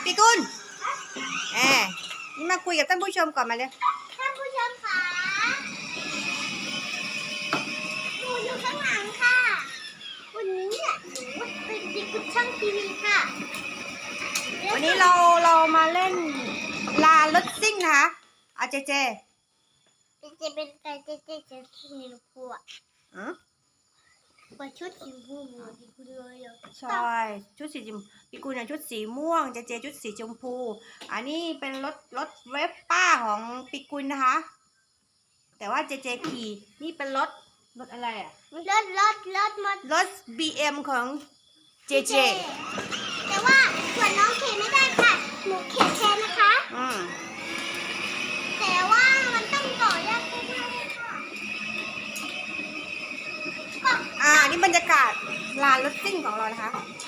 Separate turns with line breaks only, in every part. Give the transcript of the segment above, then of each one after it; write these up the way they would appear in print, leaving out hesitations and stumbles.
พี่กุลนี่มาคุยกับท่านผู้ชมก่อนมาเลย
ท่านผู้ชมค่ะหนูอยู่ข้างหลังค่ะวันนี้เนี่ยหนูเป็นเด็กกุช่างทีวีค่ะ
วันนี้เรามาเล่นลารถซิ่งนะคะเจ
เป็นไก่เจจะสีชมพูว่าชุดสีม่วงดีคุณเลย
ใช่ชุดสีชมพูพี่กุลชุดสีม่วงเจชุดสีชมพูอันนี้เป็นรถเวฟป้าของพี่กุลนะคะแต่ว่าเจขี่นี่เป็นรถอะไรรถ BM ของเจ
แต่ว่าส่วนน้องเข็นไม่ได้ค่ะหนูเข็นแทนนะคะแต่ว่ามันต้องต่อยากมากเลย
ค่ะนี่บรรยากาศลานรถซิ่งของเรานะคะ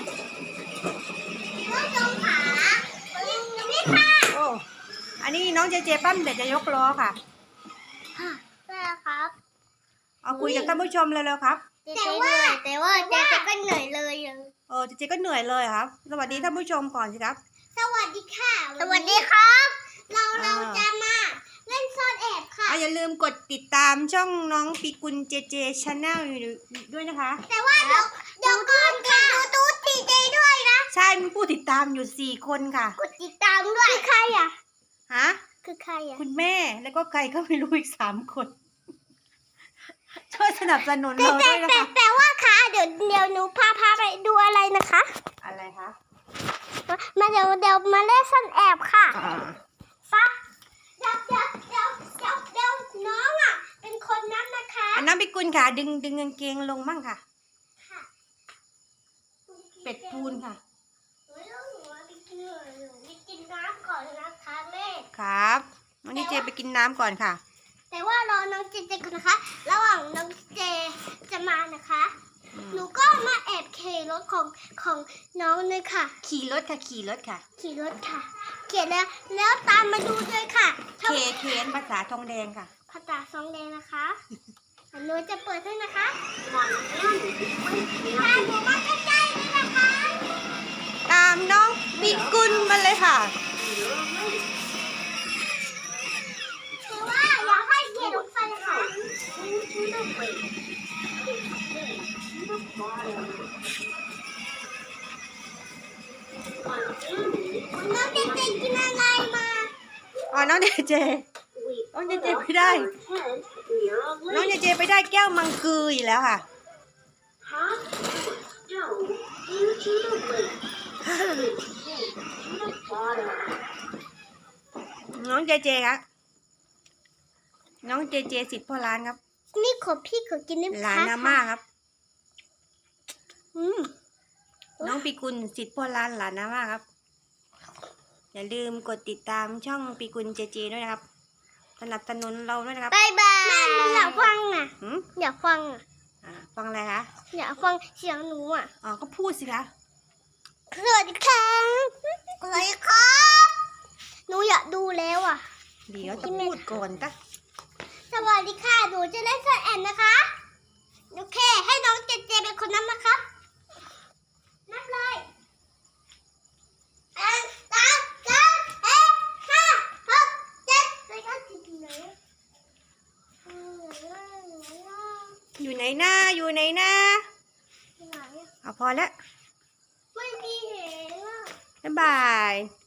น้องจงขานี่ค่ะ
โอ้อันนี้น้องเจปั้มเดี๋ยวจะยกล้อค่ะ
ใช่ครับ
เอาคุยกับท่านผู้ชมเลยๆครับ
แต่ว่าเจก็เหนื่อยเลย
เจก็เหนื่อยเลยครับสวัสดีท่านผู้ชมก่อนสิครับ
สวัสดีค่ะสวัสดีครับเราจะมาเล่นซ่อนแอบค่ะ
อย่าลืมกดติดตามช่องน้องปีกุลเจชาแนลด้วยนะคะ
แต่ว่าเดี๋ยวก่อนค่ะดูเจด้วยนะ
ใช่มีผู้ติดตามอยู่4 คนค่ะ
กดติดตามด้วยคือใครคือใคร
คุณแม่แล้วก็ใครก็ไม่รู้อีก3 คนช่วยสนับสนุนเราด้วยนะคะ
แต่ว่าค่ะเดี๋ยวหนูพาไปดูอะไรนะคะ
อะไรคะ
มาเดี๋ยวมาเล่นซ่อนแอบค่ะฟ้าเดี๋ยวน้องเป็นคนนั้นนะคะ
น้องปีกุลค่ะดึงกางเกงลงมั่งค่ะเป็ดปูนค่ะ
หนูไปกินน้ำก่อนนะคะแม่
ครับวันนี้เจไปกินน้ำก่อนค่ะ
แต่ว่ารอน้องเจก่อนนะคะระหว่างน้องเจจะมานะคะหนูก็มาแอบขี่รถของน้องเลยค่ะ
ขี่รถค่ะเขี
ยนแล้วตามมาดูเลยค่ะ
เขียนภาษาทองแดงค่ะ
ภาษาทองแดงนะคะหนูจะเปิดให้นะคะตามหนูมาใกล้ๆเลยนะคะ
ตามน้องปีกุลมาเลยค่ะ
คือว่าอยากให้เขียนรถไฟค่ะน้องเจกินอะไรมา
น้องเจไม่ได้น้องเจไปได้แก้วมังกืออีกแล้วค่ะน้องเจครับน้องเจสิทธิ์พ่อร้านครับ
นี่ขอพี่ขอกินได้ไหม
หลานอาม่าครับน้องปีกุลสิทธิ์พ่อร้านหลานอาม่าครับอย่าลืมกดติดตามช่องปีกุลเจด้วยนะครับสนับสนุนเราด้วยนะครับ
บ๊ายบายอยากฟังอยากฟัง
ฟังอะไรคะ
อยากฟังเสียงหนู
ก็พูดสิคะ
สวัสดีครับสวัสดีครับหนูอยากดูแล้ว
เดี๋ยวจะพูดก่อนจ้ะ
สวัสดีค่ะหนูจะเล่นซ่อนแอบนะคะโอเคให้น้องเจเป็นคนนับนะคะนับเลย
อยู่ไหนนะพอแล้ว
ไม่มีเห็น
บ๊ายบาย